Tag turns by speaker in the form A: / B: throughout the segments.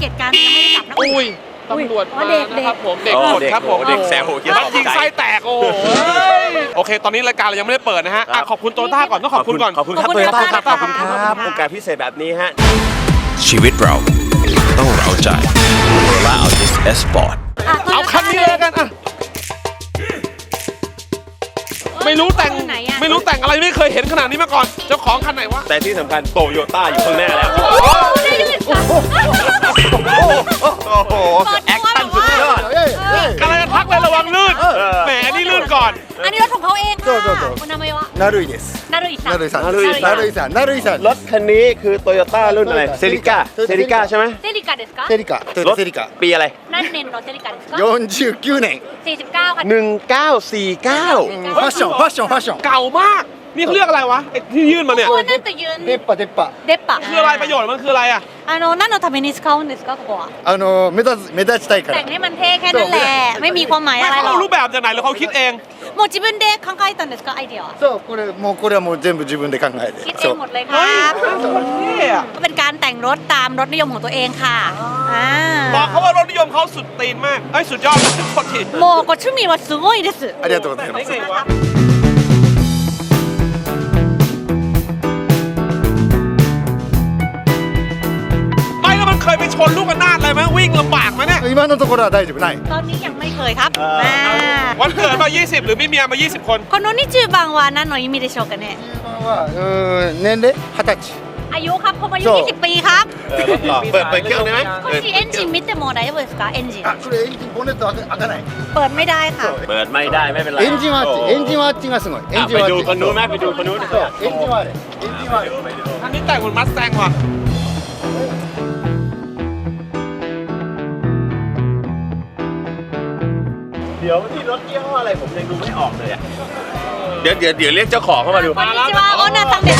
A: ตุการณ์ยังไม่ได้จับนะ
B: อุ้ยตำรวจมานะครับผมเด็กหมดครับผม
C: เด็กแซว
B: มันยิงไส้แตกโอ้โอเคตอนนี้รายการเรายังไม่ได้เปิดนะฮะขอบคุณโตโยต้าก่อนต้องขอบคุณก่อน
C: ขอบคุณครับโตโยต้าครับขอบคุณครับโอกาสพิเศษแบบนี้ฮะ
D: ชีวิตเราต้องเร้าใจและเอาดิสเอสปอร์ต
B: เอาคันนี้เลยกันอ่ะไม่รู้แต่งอะไรไม่เคยเห็นขนาดนี้มาก่อนเจ้าของคันไหนวะ
C: แต่ที่สำคัญโตโยต้าอยู่ข้างหน้าแล้วโอ้โหแอคชั่นสุดยอด
B: กำลังจะทักเลยระวังลื่นแหมนี่ลื่นก่อน
A: อันนี้รถของเขาเองค่ะคุณนามาวะ
E: なるいです。
A: นารุอิซัง
E: なるいさん。なるいさん。なるいさん。
C: รถคันนี้คือโตโยต้ารุ่นอะไรเซริก้าใช่ไหม
A: เซริกาเดสกา
E: セリカ。トヨ
C: ร
E: タ
C: ถ
E: セリカ。
C: ปีอะไร
A: นั่นเน้นรถเซริกาเดสกา
E: 49年。
A: 49ค่ะ
C: 1949
E: ファッションファッションファッション。
B: เก่ามากนี่เขาเรียกอะไรวะไอ้ที่ยื่นมาเนี่ย
A: ตัวนั่นจะยืน
E: 出っ歯出っ歯。
A: เดปะ
B: คืออะไรประโยชน์มันคืออะไรอ่ะ
A: นั่นのために使うんですかここは
E: 目立ちたいか
A: แต่
E: ら
A: ง。ให้มันเท่แค่นั้นแหละไม่มีความหมายอะไรหร
B: เขา
A: อก
B: รูปแบบจากไหนหรือเขาคิดเอง
A: もう自分で考えたんですかアイディアは
E: そうこれはもう全部自分で考えて。
A: คิดเอ
E: そ
A: ง
E: う
A: หมดเลยค
B: เฮ้
A: รั
B: ย
A: บ
B: เท่อะ
A: ก็เป็นการแต่งรถตามรถนิยมของตัวเองค่ะ
B: บอกเขาว่ารถนิยมเขาสุดตีนมากเอ้ยสุดยอดโคตรที
A: もうご趣味はすごいです
E: ありがとうございま
B: ได้
E: す。
B: ไงวะไม่แล้วมันเคยไปชนลูกระนาดอะไรไหมวิ่งลำบากไหมเนี่ย
E: 今のところは大丈夫ない。
A: ตอนนี้ยังไม่เคยครับ
B: วันเกิดมา 20 หรือมีเมียมา 20 คน
A: この20番は何の意味でしょうかね
E: 年齢20歳。
A: อายุครับผมอายุ 20 ปีครับ
C: เปิดเครื่องได้ไหม
A: こっちエンジン見ても大丈夫ですかエンジン
E: あこれエンジンボンネット開かない。
A: เปิดไม่ได้ค่ะ
C: เปิดไม่ได้ไม่เป็นไร
E: エンジンはあっちエンジンはあっちがすごい。エンジン
C: ไป
E: はあっ
C: ดู
E: ち。
C: คนนู้นไหมไปดูคนนู้น
E: そうエンジンはあれ。エンジンはあれ。
B: อันนี้แต่งเหมือนมัสแตงว่ะ
C: เดี๋ยวนี่รถยี่ห้ออะไรผมยังดูไม่ออกเลยอ่ะเดี๋ยวเรียกเจ้าของเข้ามาดู
A: こんにちはオーナーさんです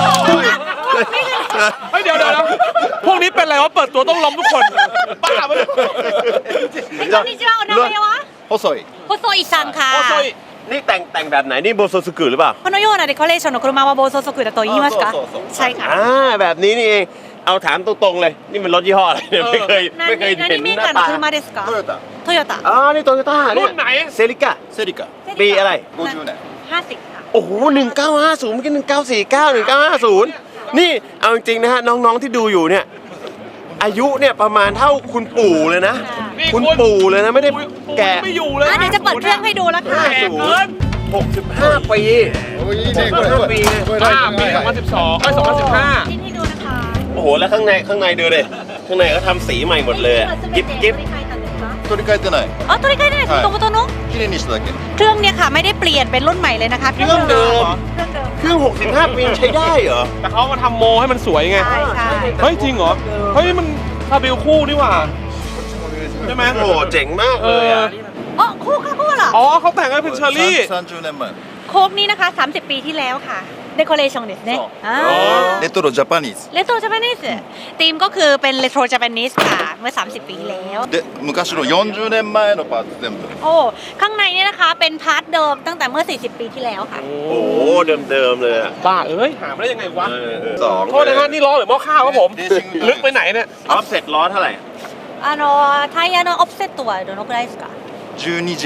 B: เฮ้ยเดี๋ยวพวกนี้เป็นอะไรวะเปิดตัวต้องล้มทุกคนบ้าไปเลย
A: こんにちはお名前は
E: 細い。
A: 細井さんค่ะ
B: โอ้โซย
C: นี่แต่งแบบไหนนี่โบโซสุกุหรือเปล่า
A: このようなデコレーションの車は暴走族だと言いますか
E: そう
A: ใช่ค่ะ
C: แบบนี้นี่เองเอาถามตรงๆเลยนี่มันรถยี่ห้ออะไรเนี่ยไม่เคยเห็น
A: 何メー
C: หน้า
A: カーの
C: ตา
A: 車ですか
E: トヨタ。
A: トヨタ
C: อ๋อนี่โตโยต้าเนี่
B: รุ่
C: ย
B: นไหน
C: เซริก้า
E: セリカ。
C: ปีอะไร
E: 50年。
A: 50ค่ะ
C: โอ้โห1950เมื่อกี้1949 1950นี่เอาจริงๆนะฮะน้องๆที่ดูอยู่เนี่ยอายุเนี่ยประมาณเท่าคุณปู่เลยนะ
B: นี่
C: คุณปู่เลยนะไม่ได้แก่
B: ไม่อยู่เลย
A: เดี๋ยวจะเปิดเครื่องให้ดูแล้วค่ะ
B: แก่เกิน
C: 65 ปี
E: おいいねこれ。これ
B: ปี 2012เอ้ย2015
A: ชิ้นให้ดูนะคะ
C: โอ้โหแล้วข้างในดูเลยข้างในก็ทำสีใหม่หมดเลยอะกิ๊บ
E: 取り替えてない。
A: อ๋อตัวนี้ก็ได้もともとの
E: 綺麗にしただけ。
A: เครื่องเนี่ยค่ะไม่ได้เปลี่ยนเป็นรุ่นใหม่เลยนะคะ
C: เครื่องเดิม
A: เครื่องเดิม
C: เครื่อง65 ปีใช้ได้เหรอ
B: แต่เขามาทำโมให้มันสวยไง
A: ใช่ใช่
B: เฮ้ยจริงเหรอ เฮ้ยมันคาบิลคู่นี่หว่าใช่ไหม
C: โอ้โหเจ๋งมากเลยอะ
A: อ๋อโค้กค่ะโค้กเหรอ
B: อ๋อเขาแต่งให้เป็นเชอร์รี่
E: 30年前。
A: โค้กนี่นะคะ30 ปีที่แล้วค่ะเดคอเรชั่นですね
E: レトロジャパニーズ。
A: レトロジャパニーズธีมก็คือเป็นเรโทรจาปนิสค่ะเมื่อ30 ปีที่แล้ว
E: で昔の40年前のパーツ全部。
A: โอ้ข้างในเนี่ยนะคะเป็นพาร์ทเดิมตั้งแต่เมื่อ40 ปีที่แล้วค่ะ
C: โอ้โหเดิมเลยอะ
B: บ้าเอ้ยหามาได้ยังไงวะ
C: สอง
B: โทษนะฮะนี่ล้อหรือหม้อข้าวครับผม ลึกไปไหนเนี่ย
C: ออฟเซ็ตล้อเท่าไหร่
A: タイヤのオフセットはどのくらいですか
E: 12J。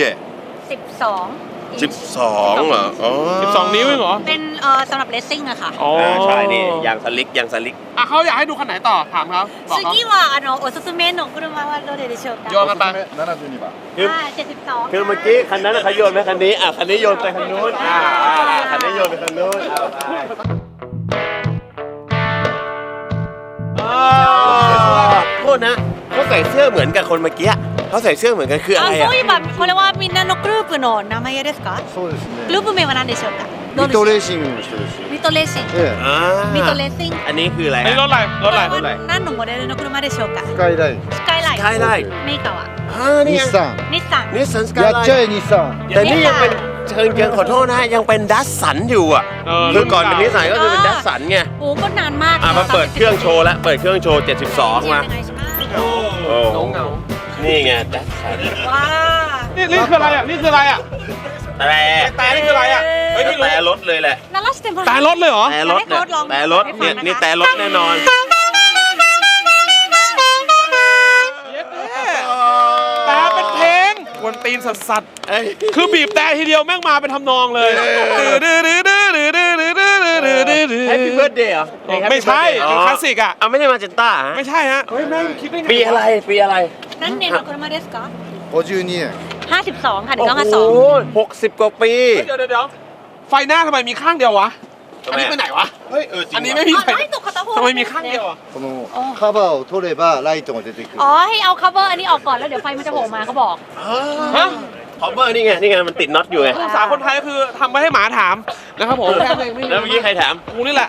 A: 12
C: 12เหรออ๋อ
B: 12 นิ้วเองเหรอ
A: เป็นสำหรับเลสซิ่งอะค่ะ
B: อ๋อ
C: ใช่นี่ยางสลิก
B: อ่ะเขาอยากให้ดูคันไหนต่อถามเขาบอกเขา
A: 次はおすすめの車はどれでしょうか
B: โยนกันไป
E: 72番。
A: 72
C: คือเมื่อกี้คันนั้นเขาโยนไปคันนี้คันนี้โยนไปคันนู้นคันนี้โยนไปคันนู้นโทษนะเขาใส่เสื้อเหมือนกับคนเมื่อกี้เขาใส่เสื้อเหมือนกันคืออะไร
A: そう
C: อ่ะ
A: いえばこれはみんなのグループの名前ですか
E: そうです
A: グループ名は何でしょうか
E: ミトレーシングの人ですよ。
A: ミトレーシング
E: え
A: ミトレーシング
C: อันนี้คืออะไร
B: ไอ้รถอะไรรถอะไร
A: これは何のモデルの車でしょうか
E: え。スカイライン。
A: スカイライン
C: สกายไลน์
A: メーカーは
C: นี่
E: 日産。
A: 日産
C: นี่สันสกาย
E: や
C: ไล
E: っちゃ
C: น์
E: え日産。
C: แต่นี่ยังเป็นเชิงขอโทษนะยังเป็นดัสสันอยู่อ่ะคือก่อนเป็นนิสสันก็คือเป็นดัสสันไง
A: โอ้ก็นานมาก
C: มาเปิดเครื่องโชว์แล้วเปิดเครื่องโชว์72มา
A: ยังไงใช่ไหม
C: โอ้เงานี่ไงดัสสัน
A: ว้า
B: นี่คืออะไรอ่ะนี่คืออะไรอ่ะ
C: แต่
B: นี่คืออะไรอ่ะเฮ้ยไม่รู้
C: แต่รถเลยแหละ
A: นาราสเต็ม
B: แต่รถเลยเหรอ
C: แต่รถเนี่ยแต่รถเนี่ยนี่แต่รถแน่นอน
B: ตีนสัส
C: เอ้ย
B: ๆคือบีบแต่ทีเดียวแม่งมาเป็นทำนองเลย
C: Happy Birthday เหรอ
B: ไม่ใช่เป็นคลาสสิกอ่ะ
C: เอาไม่ใช่มาเจนต้า
B: ไม่ใช่ฮะเฮ้ยแม่งคิดได้ไง
C: ปีอะไรปีอะไร
A: นั่นเนโนโคมาเดสก็
E: 52年。
A: 52 ค่ะ
C: โอ้โห
A: 1952
C: 60 กว่าปี
B: เดี๋ยวไฟหน้าทำไมมีข้างเดียววะ อันนี้ไปไหนวะ
E: はい、
B: อันนี้ไม่มี
A: อ๋อ
B: ไฟ
A: ให้ตกคาตาโฮ
B: ทำไมมีข้างเดียวอ่ะ
E: このカバーを取ればライトが出てくる。
A: อ๋อ ให้เอา cover อันนี้ออกก่อนแล้วเดี๋ยวไฟมันจะโผล่มาเขาบอก
B: ฮะ
C: คอมเบอร์นี่ไงนี่ไงมันติดน็อตอยู่ไง
B: ภาษาคนไทยก็คือทำไว้ให้หมาถามนะครับผมแค่นั้นเองไม่มี
C: แล้วเมื่อกี้ใครถาม
B: กูนี่แหละ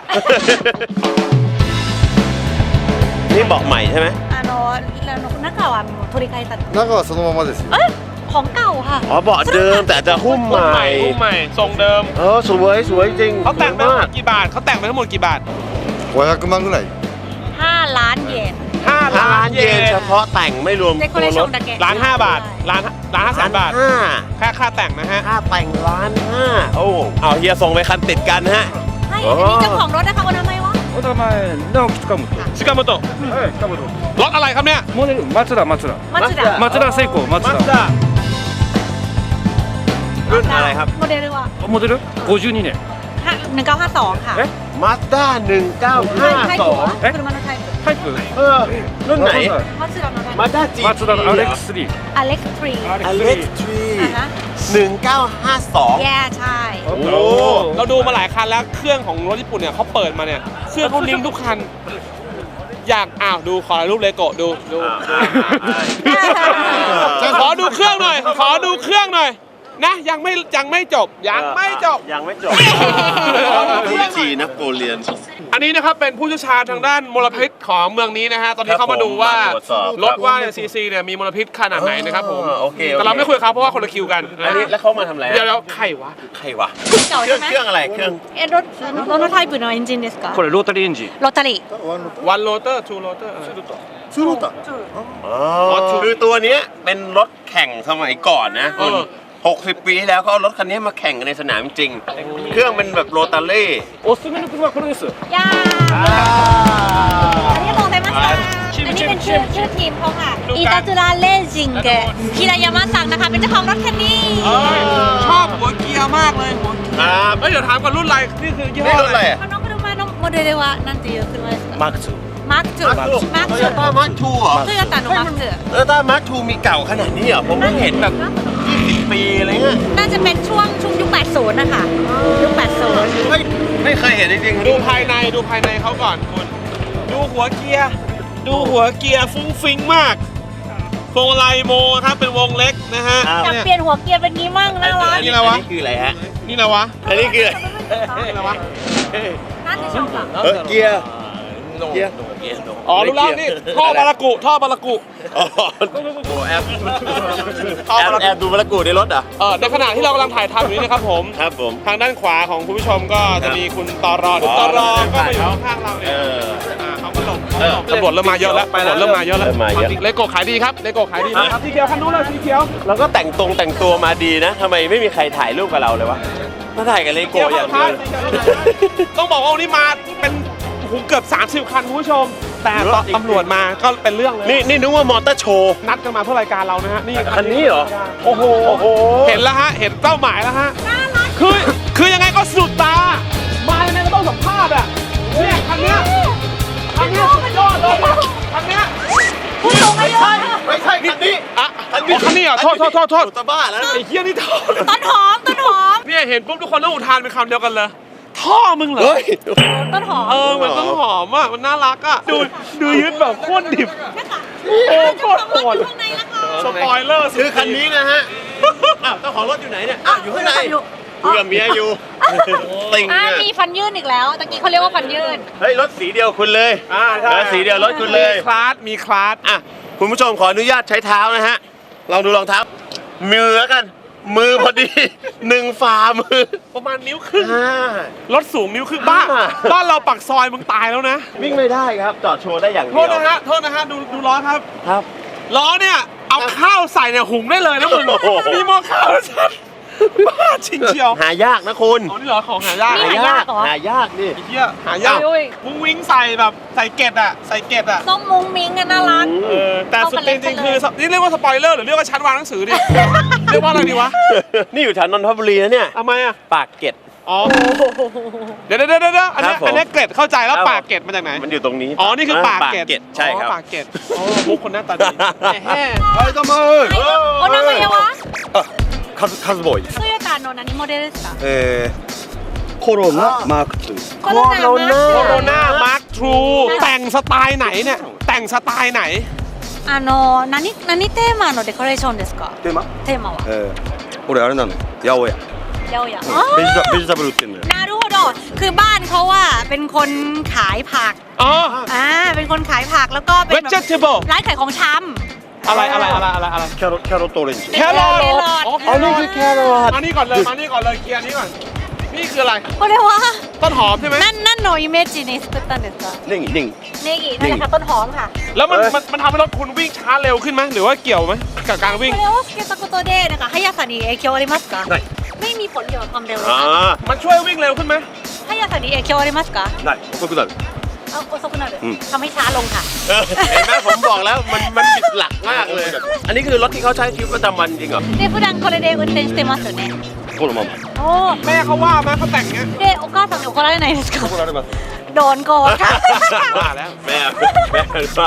C: นี่เบอกใหม่ใช่ไหม
A: นักข่าวอ่ะโทริไคตัด
E: 中はそのままですよ。
A: เอ้ย ของเก่าค่ะ
C: อ๋อเบาะเดิมแต่จะหุ้มใหม่
B: หุ้มใหม่ทรงเดิม
C: สวยสวยจริง
B: เขาแต่งไปทั้งหม
C: มาก
B: ดกี่บาทเขาแต่งไปทั้งหมดกี่บาท
E: 500万ぐらい。
A: 5 ล้านเยน
B: 5
C: ล้านเยนเฉพาะแต่งไม่รวม
A: เดคอเรชั่นดะแก
B: ล้านห้าบาทล้านห้าแสนบาท
C: ห้า
B: แค่ค่าแต่งนะฮะ
C: ค่าแต่งล้านห้าโอ้เอาเฮียส่งไปคันติดกันฮะ
A: ให้อันนี้เจ้าของรถนะคะวันทำไมวะ
F: お名前直樹近本
B: ชิกาโมโตะ
F: はい近本
B: รถอะไรครับเนี่ย
F: モデル松田
A: มัตสึดะ
F: 松田聖子松
B: มาส
F: 田
B: ด้า
C: รุ่นอะไรครับ
A: โมเดลว่า
F: モデル52年
A: 1952 ค่ะ
C: มาสด้า
A: ไทยถูก
C: 1952
F: เอ๊ะ
A: คือมันไทย
F: タイプ
C: รุ่นไหน
A: มัตสึดะโนไทย
C: มาสด้าจี
F: 松田のアレックス3
A: อเล็กซ์ทรี
C: อเล็กทรี
A: อ่ะฮะ
C: 1952
A: แย่ใช่
C: โอ้
B: เราดูมาหลายคันแล้วเครื่องของรถญี่ปุ่นเนี่ยเขาเปิดมาเนี่ยเครื่องเขาลิงก์ทุกคัน อยากดูขอรูปเลโกะดูขอดูเครื่องหน่อย ขอดูเครื่องหน่อยนะยังไม่จบยังไม่จบ
C: ยังไม่จบ
E: วิธีนโปเลียน
B: อันนี้นะครับเป็นผู้เชี่ยวชาญทางด้านมลพิษของเมืองนี้นะฮะตอนนี้
C: ครับ
B: เขามาดูว่า
C: ผมมาตรวจสอบ
B: รถว่าซีซีเนี่ยมีมลพิษขนาดไหนนะครับผม
C: โอเค
B: แต่เราไม่คุยกับเขาเพราะว่าคนละคิวกัน
C: อันนี้แล้วเขามาทำอะไร
B: เดี๋ยวใครวะ
C: ใครวะ
A: เก่า
C: เครื่
A: ใช่
C: อง
A: ไหม
C: เครื่องอะไรเครื่อง
A: รถのタイプのエンジンですか
F: これロータリーエンジン
A: ロータリー
B: วันโรเตอร์ทูโรเตอร์
E: ツーローター。
C: อ๋อคือตัวเนี้ยเป็นรถแข่งสมัยก่อนนะคุณ60 ปีที่แล้วเขาเอารถคันนี้มาแข่งกันในสนามจริง เครื่องเป็นแบบโรตาเล่
F: おすすめの車はこれです
A: ย่าอันนี้บอกเลยมั้ยคะอันนี้เป็นชื่อทีมเขาค่ะอิตาจุราเลจิงเกะฮิรายามะซังนะคะเป็นเจ้าของรถคันนี้
B: ชอบหัวเกียร์มากเลยหัวเกียร์
C: ครับ
B: เฮ้ยเดี๋ยวถามก่อนรุ่นอะไรนี่คือยี่ห้
C: นี่
B: อ
C: รถอะไร
A: น้อง車のモデルは何ていう車ですか
F: マーク2
A: マーク2
C: โตโยต้ามาร์คทูเหรอ
A: トヨタのマーク
C: โตโยต้ามาร์คทูมีเก่าขนาดนี้เหรอผมเพิ่งเห็นแบบ20 ปีอะไรเงี้ย
A: 2น่าจะเป็นช่วงยุค 80 นะคะยุค 80
C: ไม่เคยเห็นจริงๆ
B: ดูภายในเขาก่อนคุณดูหัวเกียร์ฟุ้งฟิ้งมากโฟไลโมครับเป็นวงเล็กนะฮะ
A: อยากเปลี่ยนหัวเกียร์เป็นงี้มั่งน่ารัก
B: นี่อะไรวะ
C: นี่คืออะไรฮะ
B: นี่อะไรวะ
C: อันนี้คือ
B: นี่อะไรวะ
A: น่าจะชอบอ่ะ
C: เกียร์
B: อ๋อรู้แล้วนี่ท่อบารากุ
C: อ๋อโอ้แอบแอบดูมะละกูในรถอ่ะ
B: ในขณะที่เรากำลังถ่ายทำอยู่นี้นะครับผม
C: ครับผม
B: ทางด้านขวาของคุณผู้ชมก็จะมีคุณตอรอเดี๋ยวตอรอก็มาอยู่ข้างๆเราเนี่ยเขาก็หลบตำรวจเริ่มมาเยอะแล้วเริ่มมาเยอะแล้ว
C: เริ่มมาเยอะ
B: เลโก้ขายดีครับเลโก้ขายดีครับสีเขียวคันนู้นเลยสีเขียว
C: เราก็แต่งตัวมาดีนะทำไมไม่มีใครถ่ายรูปกับเราเลยวะมาถ่ายกับเลโก้อย่างเดียว
B: ต้องบอกว่าวันนี้มาเป็นเกือบ30 คันคุณผู้ชม แต่ตำรวจมาก็เป็นเรื่องเลย
C: นี่นึกว่ามอเตอร์โชว์
B: นัดกันมาเพื่อรายการเรานะฮะนี่
C: คันนี้เหรอ
B: โอ้โหเห็นแล้วฮะเห็นเป้าหมายแล้วฮะคือยังไงก็สุดตามายังไงก็ต้องสัมภาษณ์อ่ะเนี่ยคันเนี้ยสุดยอดเลยคันเนี้ย
A: ผู้สูงอายุ
C: ไม่ใช่คันนี้
B: อ่ะคันนี้เหรอโทษ
C: ตาบ้าแล้ว
B: ไอ้เหี้ยนี่ท่อ
A: ต้นหอม
B: เนี่ยเห็นปุ๊บทุกคนต้องอุทานเป็นคำเดียวกันเลย ท่อมึงเหรอ
C: เฮ้ย
A: ต้นหอม
B: เหมือนต้นหอมอ่ะมันน่ารักอ่ะดูยึดแบบโคตรดิบ
A: นะคะ
B: โอ้โคตรโหด
A: อยู่ข้างในแล้วค่ะ
B: สปอยเลอร์สุด
C: คือคันนี้นะฮะอ้าวเจ้าของรถอยู่ไหนเนี่ยอ้าวอยู่ข้างในคุยกับเมียอยู่ติง
A: มีฟันยื่นอีกแล้วตะกี้เขาเรียกว่าฟันยื่น
C: เฮ้ยรถสีเดียวคุณเลย
B: ใช่
C: สีเดียวรถคุณเลย
B: มีคลาส
C: อ่ะคุณผู้ชมขออนุญาตใช้เท้านะฮะลองดูรองเท้ามือแล้วกัน มือพอดี1 ฝ่ามือ
B: ประมาณนิ้วครึ่ง
C: อ่าร
B: ถสูงนิ้วครึ่งบ้านเราปักซอยมึงตายแล้วนะ
C: วิ่งไม่ได้ครับจอดโชว์ได้อย่างเดี
B: โท
C: ยว
B: ษนะฮะดูล้อครับ
C: ครับ
B: ล้อเนี่ยเอาข้าวใส่เนี่ยหุงได้เลยนะมึง
C: โอ้โห
B: มีหม้อข้าวชัดบ้าจริงเชียว
C: หายากนะคุณ
B: อ๋อนี่เหรอของหายาก
A: นี่
B: ไ
A: หายากเหรอ
C: หายากนี่
B: อ้เหี้ยหายาก
A: โอ้ย
B: มุ้งวิ้งใส่แบบใส่เกล็ดอะ
A: ต้องมุ้งมิ้งกันน่ารัก
B: แต่สุดจริงๆคือนี่เรียกว่าสปอยเลอร์หรือเรียกว่าชั้นวางหนังสือดิเรียกว่าอะไรดีวะ
C: นี่อยู่แถวนนทบุรีนะเนี่ย
B: ทำไมอ่ะ
C: ปากเกร็ด
B: อ๋อเดี๋ยวอันนี้
C: ครับผม
B: อันนี้เกร็ดเข้าใจแล้ว
C: ครับ
B: ปากเกร็ดมาจากไหน
C: มันอยู่ตรงนี้
B: อ๋อนี่คือปากเกร็ด
C: ใช่ครับ
B: อ๋อปากเกร็ดอ๋อมุกคนหน้าตาดีแหม
E: はいどうも
A: お名前は
E: カズボーイです
A: トヨタの何モデルですか
E: コロナマーク2
A: コロナ
B: โคโรนามาร์คทรูแต่งสไตล์ไหนเนี่ย แต่งสไตล์ไหน
A: 何テーマのデコレーションですか
E: テーマ
A: テーマは
E: 俺あれなのよ八百屋
A: 八百屋
E: ベジタブル売ってんのよ
A: นารูโดคือบ้านเขาว่าเป็นคนขายผัก
B: อ๋อ
A: เป็นคนขายผักแล้วก็เป็นแบบ
B: vegetable
A: ร้านขายของช
B: อะไร
E: キャロットオレンジ
B: แครอท
A: แครอท
B: อ๋อแครอทแครอทมานี่ก่อนเลยเคลียร์นี้ก่อน นี่คืออะไร
A: ำこれは
B: ต้นหอมใช่ไหม
A: 何のイメージに作ったんですか
E: ネギ
A: ネギนั่นแหละค่ะต้นหอมค่ะ
B: แล้วมันทำให้รถคุณวิ่งช้าเร็วขึ้นไหมหรือว่าเกี่ยวไหมกับการวิ่ง
A: これをつけたことでなんか速さに影響ありますかไม่มีผลเกี่ยวกับความเร็วเลย
C: อ๋อ
A: ค่ะ
B: มันช่วยวิ่งเร็วขึ้นไหม
A: 速さに影響ありますか
E: ない遅くなる
A: 遅くなるทำให้ช้าลงค่ะ
C: เห็นไหมผมบอกแล้วมันผิดหลักมากเลย อันนี้คือรถที่เขาใช้ชีวิตประจำวันจริงเหรอ
A: で普段これで運転してますよね
E: このまま
A: お
B: แม่เขาว่าไหมเขาแต่งเงี้ย
A: でお母さんに怒られないですか
E: 怒られます
A: โดนโกรธค่ะ
B: ว่าแล้ว
C: แม่ว่า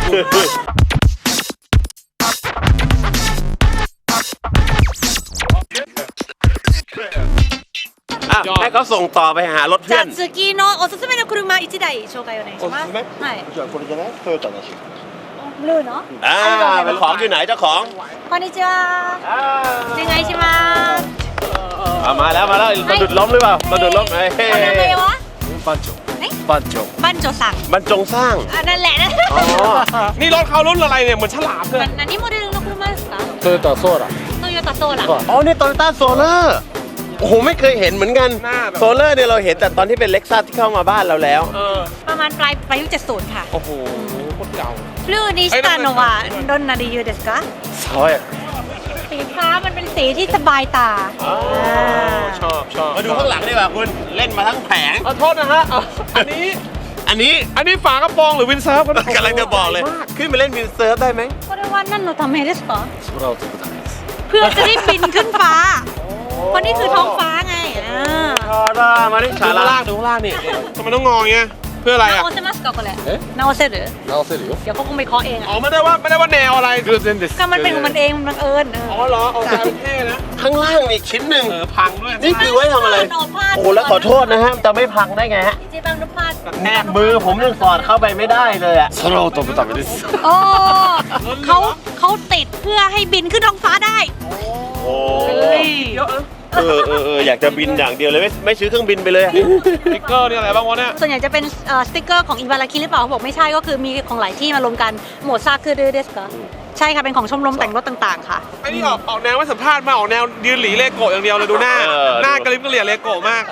C: อ่ะให้เขาส่งต่อไปหารถ
A: じ
C: เพื่
A: ゃ
C: อ
A: あ
C: น
A: 次のおすすめの車1台紹介お願いしますはい
E: じゃあこれじゃないトヨタだし
A: ブルーの
C: อ่าเป็นของอยู่ไหนเจ้าของ
A: こんにちはお願いします
C: มาแล้วสะดุดล้มหรือเปล่าสะดุดล้มเฮ้ย
A: お名前は
E: 番長
A: え
E: 番長
A: バンチョさん
C: บรรจงสร้าง
A: นั่นแหละนะ
B: นี่รถเขารุ่นอะไรเนี่ยเหมือนฉลามเลย
A: 何モデルの車ですか
F: トヨタソーラ
A: トヨタソーラ
C: อ๋อนี่โตโยต้าโซเลอร์โอ้โหไม่เคยเห็นเหมือนกัน
B: หน้าแบบ
C: โซเลอร์เนี่ยเราเห็นแต่ตอนที่เป็นเล็กซัสที่เข้ามาบ้านเราแล้ว
A: ประมาณปลายยุค70ค่ะ
B: โอ้โหโคตรเก่า
A: ブルーにしたのはどんな理由ですか
E: 爽やか
A: สีฟ้ามันเป็นสีที่สบายตา
B: ชอบ
C: มาดูข้างหลังดีกว่าคุณเล่นมาทั้งแผง
B: ขอโทษนะฮะอันนี้ฝากระโปรงหรือวินเซิร์ฟ
C: กำลังจะบอกเลย ขึ้นไปเล่นวินเซิร์ฟได้ไหม
A: これは何のためですか
E: 空を飛ぶためです
A: เพื่อจะได้บินขึ้นฟ้าเพราะนี่คือท้องฟ้าไง
C: ชาร่ามาดิ
B: ดู
C: ชา
B: ข้าง
C: ร่า
B: ล่างนี่ทำไมต้องงอเงี้ยเพื่ออะไรอ่ะ
A: 直せますかこれ直せる
E: 直せるよ
A: เดี๋ยวเขาคงไปเคาะเอง
B: อ๋อ
A: อ่ะ
B: ไม่ได้ว่าแนวอะไร
F: 偶然です
A: ก็มันเป็นของมันเองมันบังเอิญ
B: อ๋อเหรอเอาใจเท่นะ
C: ข้างล่างอีกชิ้นหนึ่ง
B: พังด้วย
C: นี่คือไว้ทำอะไร โอ้โหแล้วขอโทษนะฮะจะไม่พังได้ไงฮะ
A: เจ๊บางนุพาส
C: แนบมือผมยังสอดเข้าไปไม่ได้เลยอ่ะ
E: 空を飛ぶためです
A: โอ้เขาติดเพื่อให้บินขึ้นท้องฟ้าได้
C: โอ้
A: เฮ้ย
B: เยอะนะ
C: อยากจะบินอย่างเดียวเลยไม่ซื้อเครื่องบินไปเลยอะ
B: สติ๊กเกอร์นี่อะไรบ้างวะเนี่ย
A: ส่วนใหญ่จะเป็นสติ๊กเกอร์ของอิบาราคิหรือเปล่าเขาบอกไม่ใช่ก็คือมีของหลายที่มารวมกันโหมดซาคือเดสก์ใช่ค่ะเป็นของชมรมแต่งรถต่างๆค่ะ
B: ไอ้นี่ออกแนวไม่สัมภาษณ์มาออกแนวยืนหลีเลโก้อย่างเดียวเลยดูหน้า หน้ากระลิบกระเหลี่ยเลโก้มาก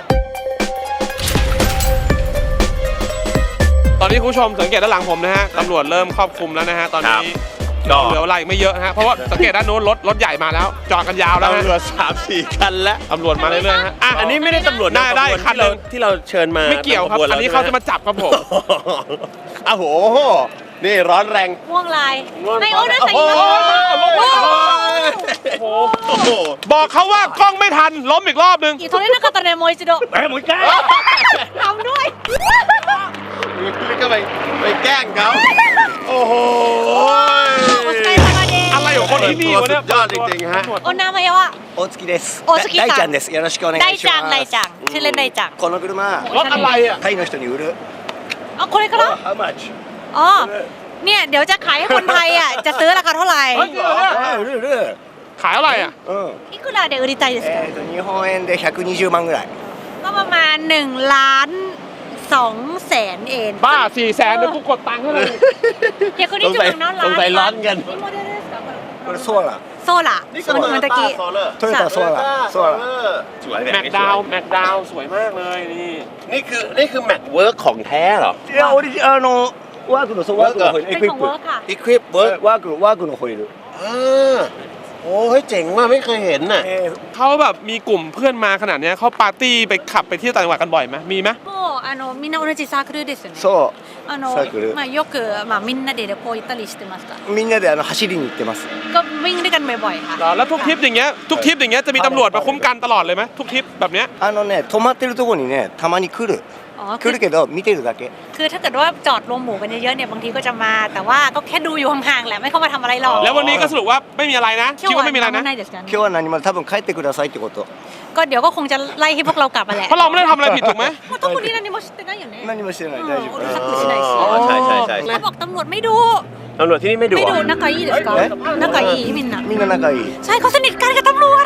B: ตอนนี้คุณผู้ชมสังเกตด้านหลังผมนะฮะตำรวจเริ่มครอบคลุมแล้วนะฮะตอนนี้
C: ก็
B: เหลืออะไรไม่เยอะนะฮะเพราะว่าสังเกตด้านโน้นรถใหญ่มาแล้วจอดกันยาวแล้ว
C: ตำ
B: ฮะ
C: รวจ3-4 คันแล้ว
B: ตำรวจมาเรื่อยๆฮะอ่ะ
C: อันนี้ไม่ได้ตำรวจ
B: ได้
C: ขบวน
B: คันหนึ่ง
C: ที่เราเชิญมา
B: ไม่เกี่ยวครับ
C: ขบ
B: อันนี้
C: ร
B: เขา
C: ใช่
B: จะ
C: ไห
B: มาจับครับผม
C: อ้าวโห นี่ร้อนแรง
A: ม่วงลาย
C: ม่วง
A: ไม่โอ้น่าใส่
C: โอ้โห
B: โอ้โห
C: โอ้โห
B: บอกเขาว่ากล้องไม่ทันล้มอีกรอบนึง
A: อีโทเรนักตะเนโมอิจิโด
E: もう一回
A: ทำด้วย
C: นี่ก็ไปแกล้งเขาโอ้โห
A: โอสไกายซามาเด
B: อะไรของคนที่นี่วะเนี่ย
C: สุดยอดจริงๆฮะ
A: โอนามายวะ
E: 大月です
A: 大月さん
E: 大ちゃんですよろしくお願いします
A: ไดจังไดจังชื่อเล่นไดจัง
E: この車
B: รถอะไรอ่ะ
E: タイの人に売る
A: อ๋อคนเลยก็แล้ว
E: How much
A: อ๋อเนี่ยเดี๋ยวจะขายให้คนไทยอ่ะจะซื้อราคาเท่าไหร่
B: เฮ้ยจริงเหรอเนี่ย
E: 売る売る
B: ขายอะไรอ่ะ
E: うん
A: いくらで売りたいですか
E: 日本円で120万ぐらい
A: ก็ประมาณ1,200,000เอง
B: บ้า400,000เดี๋ยวกูกดตังค์ให้เลย
A: เดี๋ยวคนนี้จะเป็นน้องร้าน
C: สงสัยร้อนกัน
A: นี่โมเดลですか
E: これソーラ
A: โซล่า
C: นี่
A: เห
C: คือ
A: มือนตะกี้
C: โซเลอร์
E: トヨタソーラソーラ
C: สวยแบบ
B: แม็ก
C: นี้
B: ดาวแม็กดาวสวยมากเลยนี่
C: นี่คือแม็กเวิร์กของแท้เหรอ
E: いやオリジワークのそうワークのホイール
A: เป็นของเวิร์คค่ะ
C: อีควิปเวิร์ก
E: ワークのホイール
C: โอ้เฮ้ยเจ๋งว่ะไม่เคยเห็นน่ะ
B: เขาแบบมีกลุ่มเพื่อนมาขนาดเนี้ยเขาปาร์ตี้ไปขับไปเที่ยวต่างจังหวัดกันบ่อยไหมมีไหม
A: もうみんな同じサークルですよね。
G: そうサークル
A: よくみんなで旅行行ったりしてますか。
G: みんなで走りに行ってます
A: ก็วิ่งด้วยกันบ่อยๆค่ะ
B: แล้วทุกทริปอย่างเงี้ยจะมีตำรวจมาคุ้มกันตลอดเลยไหมทุกทริปแบบเนี้ย
G: 止まってるとこにねたまに来る
A: อ๋อ
G: 来るけど見てるだけ
A: คือถ้าเกิดว่าจอดรวมหมู่กันเยอะๆเนี่ยบางทีก็จะมาแต่ว่าก็แค่ดูอยู่ห่างๆแหละไม่เข้ามาทำอะไรหรอก
B: แล้ววันนี้ก็สรุปว่าไม่มีอะไรนะคิดว่าไม่มีอะไรนะ
G: 今日は何も多分帰ってくださいってこと
A: ก็เดี๋ยวก็คงจะไล่ให้พวกเรากลับมาแหละ
B: เพราะเราไม่ได้ทำอะไรผิดถูกไหม
A: もう特に何も知ってないよね
G: 何もしてない大丈
A: う
G: 夫
A: るさくしないし
C: อ๋อใช่ใช่ใช่
A: เขาบอกตำรวจไม่ดู
C: ตำรวจที่นี่ไม่ดุ
A: ไม่
C: เหร
A: ดู
C: อ
A: 仲いいですか仲いいみんな
G: みんな仲いい
A: ใช่เขาสนิทกันกับตำรวจ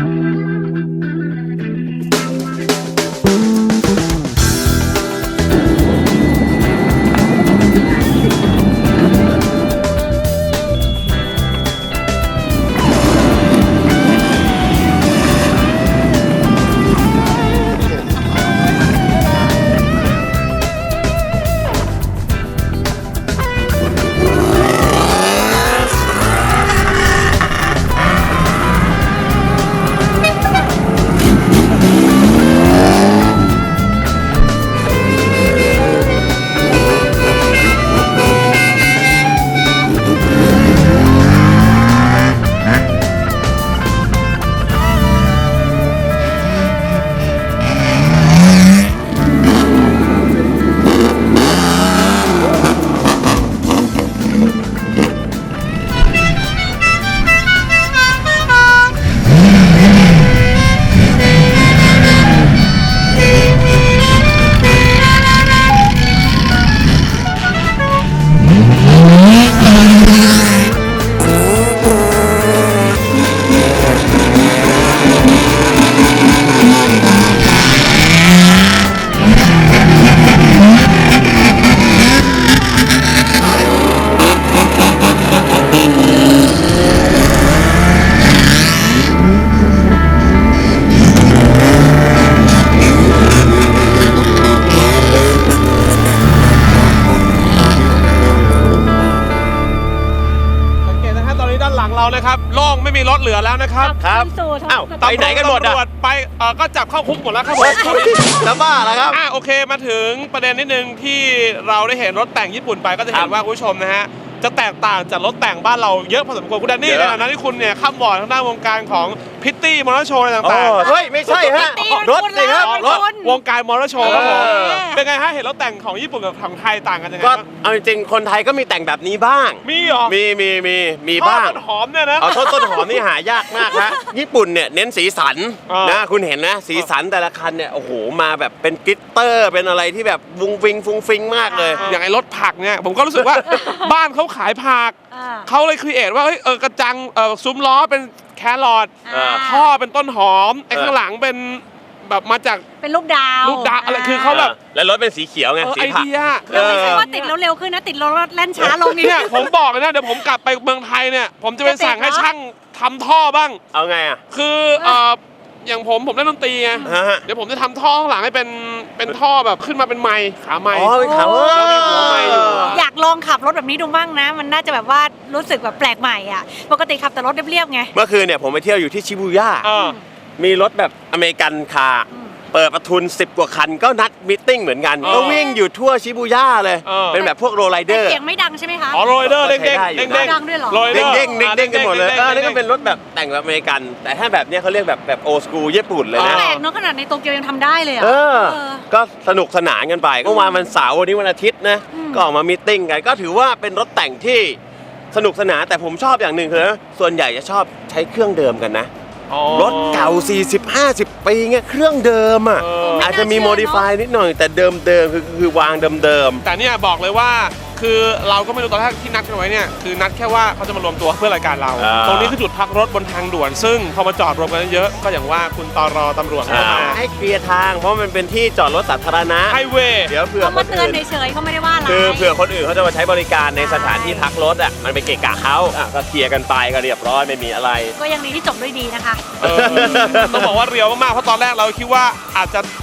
B: สังเกตนะฮะตอนนี้ด้านหลังเรานะครับโล่งไม่มีรถเหลือแล้วนะครับ
C: ครับ อ้าวไปไหนกันหมด
B: ตำร
C: อ่ะ
B: วจไปก็จับเข้าคุกหมดแล้วครับผม
C: จะบ้าแล้วครับ
B: โอเคมาถึงประเด็นนิดนึงที่เราได้เห็นรถแต่งญี่ปุ่นไปก็จะเห็นว่าคุณผู้ชมนะฮะจะแตกต่างจากรถแต่งบ้านเราเยอะพอสมควรคุณแดนนี่
C: เยอะ
B: ในฐานะที่คุณเนี่ยข้ามบอร์ดทางด้านวงการของพิตตี้มอเตอร์โชว์อะไร
C: อ๋
B: ต่าง
C: อเฮ้ย ไม่ใช่ฮะ รถสิครับ รถ
B: ๆ วงการมอเตอร์โชว์ครับผม
C: เออ
B: เป็นไงฮะเห็นรถแต่งของญี่ปุ่นกับของไทยต่างกันยังไง
C: ก็
B: บ้าง
C: เอาจริงๆคนไทยก็มีแต่งแบบนี้บ้าง
B: มีเหรอ
C: มีบ้าง
B: ต้นหอมเนี่ยนะ
C: เอาต้นหอมนี่หายากมากฮะ ญี่ปุ่นเนี่ยเน้นสีสัน
B: อ่าน
C: นะคุณเห็นนะสีสันแต่ละคันเนี่ยโอ้โหมาแบบเป็นกลิตเตอร์เป็นอะไรที่แบบวุ้งวิงฟุ้งฟิงมากเลย
B: อย่างไอ้รถผักเนี่ยผมก็รู้สึกว่า บ้านเขาขายผัก
A: อ่า
B: เขาเลยครีเอทว่าเฮ้ยกระจังซุ้มล้อเป็นแครอท
A: อ่า
B: ท่อเป็นต้นหอมไอ้ข้างหลังเป็นแบบมาจาก
A: เป็นลูกดาว
B: ลูกดาวอะไรคือเขาแบบ
C: แล้วรถเป็นสีเขียวไง สี
B: ไอ
C: ผัก
B: เดีย
A: เราไม่ใช่ว่าติดแล้วเร็วขึ้นนะติดแล้วแล่นช้าลงอีก
B: เนี่ยผมบอกเลยนะเดี๋ยวผมกลับไปเมืองไทยเนี่ยผมจะไปสั่งให้ช่างทำท่อบ้าง
C: เอาไงอ่ะ
B: คืออย่างผมเล่นดนตรีไง
C: ฮะ
B: เดี๋ยวผมจะทำท่อข้างหลังให้เป็นท่อแบบขึ้นมาเป็นไมค์ขาไมค์
C: อ๋อเป็นขาว
B: แล้วมีหัวไมค์อยู่
A: อยากลองขับรถแบบนี้ดูบ้างนะ มันน่าจะแบบว่ารู้สึกแบบแปลกใหม่อ่ะปกติขับแต่รถเรียบๆไง
C: เมื่อคืนเนี่ยผมไปเที่ยวอยู่ที่ชิบูย่า
B: เออ
C: มีรถแบบอเมริกันคาร์เปิดประทุน10 กว่าคันก็นัดมิทติ้งเหมือนกัน ก็วิ่งอยู่ทั่วชิบูย่าเลย เป็นแบบพวกโรลไลเด
A: แต่
C: อร์
A: เสียงไม่ดังใช่ไหมคะ
B: อ๋อโรยเดอร์เด้ง
C: ใช้
B: เด้ง
C: ได้อยู่นะ
B: เด้ง
A: ดังด้วยเหรอ
B: โรยเดอร์
C: เด้งๆเด้งๆกันหมดเลย
B: ด้งๆ
C: นี่ก็เป็นรถแบบแต่งแบบอเมริกัน แต่ถ้าแบบเนี้ยเขาเรียกแบบโอสกูญี่ปุ่นเลยนะ
A: แปลกเนาะขนาดในโตเกียวยังทำได้เลยอ่ะ
C: เออ
A: เออ
C: ก็สนุกสนานกันไปเมื่อวานวันเสาร์วันนี้วันอาทิตย์นะ ก็ออกมามีตติ้งกัน ก็ถือว่าเป็นรถแต่งที่สนุกสนานแต่ผมชอบอย่างหนึ่งคือส่วนใหญ่จะชอบใช้เครื่องเดิมกันนะ รถเก่า 40-50 ปีเงี้ยเครื่องเดิมอ่ะ อาจจะมีโมดิฟายนิดหน่อยแต่เดิมคือวางเดิม
B: แต่เนี่ยบอกเลยว่าคือเราก็ไม่รู้ตอนแรกที่นัดกันไว้เนี่ยคือนัดแค่ว่าเขาจะมารวมตัวเพื่อรายการเรา ตรงนี้คือจุดพักรถบนทางด่วน ซึ่งพอมาจอดรวมกันเยอะก็อย่างว่าคุณตรตำรวจเข้ามา
C: ให้เคลียร์ทางเพราะมันเป็นที่จอดรถสาธารณะ
B: ไฮเวย์
C: เดี๋ยวเผื่อ
A: เขา
C: ค
A: มาน เตือน
C: อื่น
A: เฉยๆเขาไม่ได้ว่าอะไร
C: คือเผื่อคนอื่นเขาจะมาใช้บริการในสถานที่พักรถอ่ะมันไปเกะกะเขาก็เคลียร์กันไปก็เรียบร้อยไม่มีอะไร
A: ก็ยังดีที่จบด้วยดีนะคะ
B: ต้องบอกว่าเรียวมากๆเพราะตอนแรกเราคิดว่าอาจจะ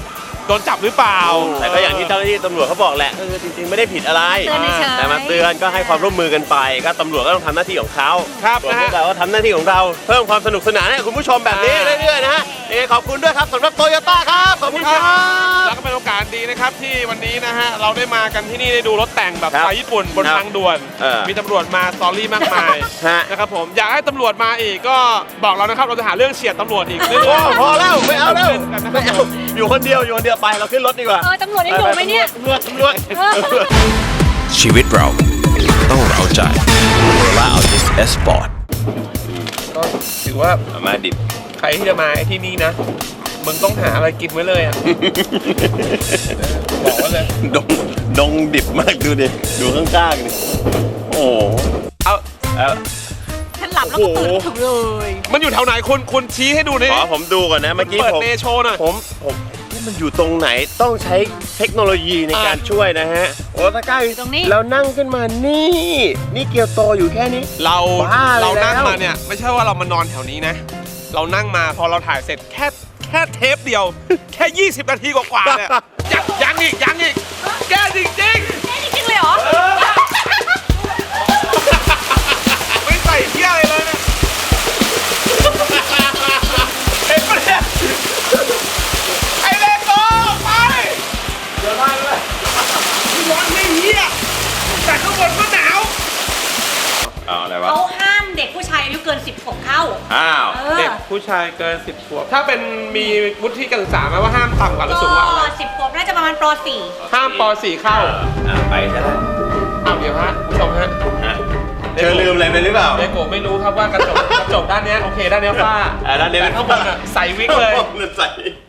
B: โดนจับหรือเปล่า
C: แต่ก็อย่างที่เจ้าหน้าที่ตำรวจเขาบอกแหละจริงๆไม่ได้ผิดอะไร
A: เตือนเฉยๆ
C: แต่มาเตือนก็ให้ความร่วมมือกันไป ก็ตำรวจก็ต้องทำหน้าที่ของเขา
B: ครับ
C: ส่วน
B: นะ
C: พว
B: ฮะ
C: กเราก็ทำหน้าที่ของเราเพิ่มความสนุกสนานให้คุณผู้ชมแบบนี้เรื่อยๆนะฮะขอบคุณด้วยครับสำหรับโตโยต้าครับขอบคุณครับ
B: แล้วก็เป็นโอกาสดีนะครับที่วันนี้นะฮะเราได้มากันที่นี่ได้ดูรถแต่งแบบ
C: ครับ
B: สไตล์ญี่ปุ่นบน
C: ครับ
B: ทางด่วน มีตำรวจมาสตอรี่มากมาย
C: ฮะ
B: นะครับผมอยากให้ตำรวจมาอีกก็บอกเรานะครับเราจะหาเรื่องเฉียดตำรวจอีก
C: โอ้พอแล้วไม่เอาแล้ว
B: กันนะค
C: ไม่
B: รับ
C: เอาอยู่คนเดียวไปเราขึ้นรถดีกว่า
A: ตำรวจยังอยู่ไหมเนี่ย
C: ตำรวจ
D: ชีวิตเราต้องเราใจและเอาดิสเอสปอร์ต
B: ก็ถือว่า
C: มาดิบ
B: ใครที่จะมาที่นี่นะมึงต้องหาอะไรกินไว้เลยอ่ะ บอกไว้เลย
C: ดงดิบมากดูดิดูข้างๆดิโอ้โห
B: เอา
A: ฉันหลับแล้วก็ตื่นถึงเลย
B: มันอยู่แถวไหนคุณชี้ให้ดูดิ
C: ขอผมดูก่อนนะเมื่อกี้
B: เปิด
C: ผม
B: เนโชว์หน่อย
C: ผมนี่มันอยู่ตรงไหนต้องใช้เทคโนโลยีในการช่วยนะฮะโอ้ตะกร้าอยู่
A: ตรงนี้
C: แล้วนั่งขึ้นมานี่เกียวโตอยู่แค่นี้
B: เรา
C: บ้าเลย
B: เรานั่ง
C: แล้ว
B: มาเนี่ยไม่ใช่ว่าเรามานอนแถวนี้นะ เรานั่งมาพอเราถ่ายเสร็จแค่เทปเดียว แค่ 20 นาทีกว่าๆเนี่ยยังอีกแกจริง
A: จริงเลยเหรอ
B: ๆไม่ใส่เที่ยอะไรเลยเนี่ยเห็นปะเนี่ยไอเลโก้ไปเดี๋ยวมาเลยร้อนไม่เหี้ยแต่ข้างบนก็หนาว
C: เอาอะไรวะ
A: เขาห้ามเด็กผู้ชายอายุเกิน 10 ขวบเข้า
C: อ้าว
B: เด็กผู้ชายเกิน 10 ขวบ ถ้าเป็นมีวุฒิการศึกษาไหมว่าห้ามต่ำกว่าหรือสูงกว่าอะไร
A: ก็10 ขวบน่าจะประมาณป
B: ห้ามป .4 เข้า
C: ไปซะแล้ว
B: เอาเดี๋ยวฮะผู้ชมฮะ
C: เธอลืมอะไรไปหรือเปล่า
B: เลโกะไม่รู้ครับว่ากระจกด้านเนี้ยโอเคด้านเนี้ยฝ้า
C: ด้านนี้
B: แต่ข้างบนอะใส่วิกเลย
C: ใส่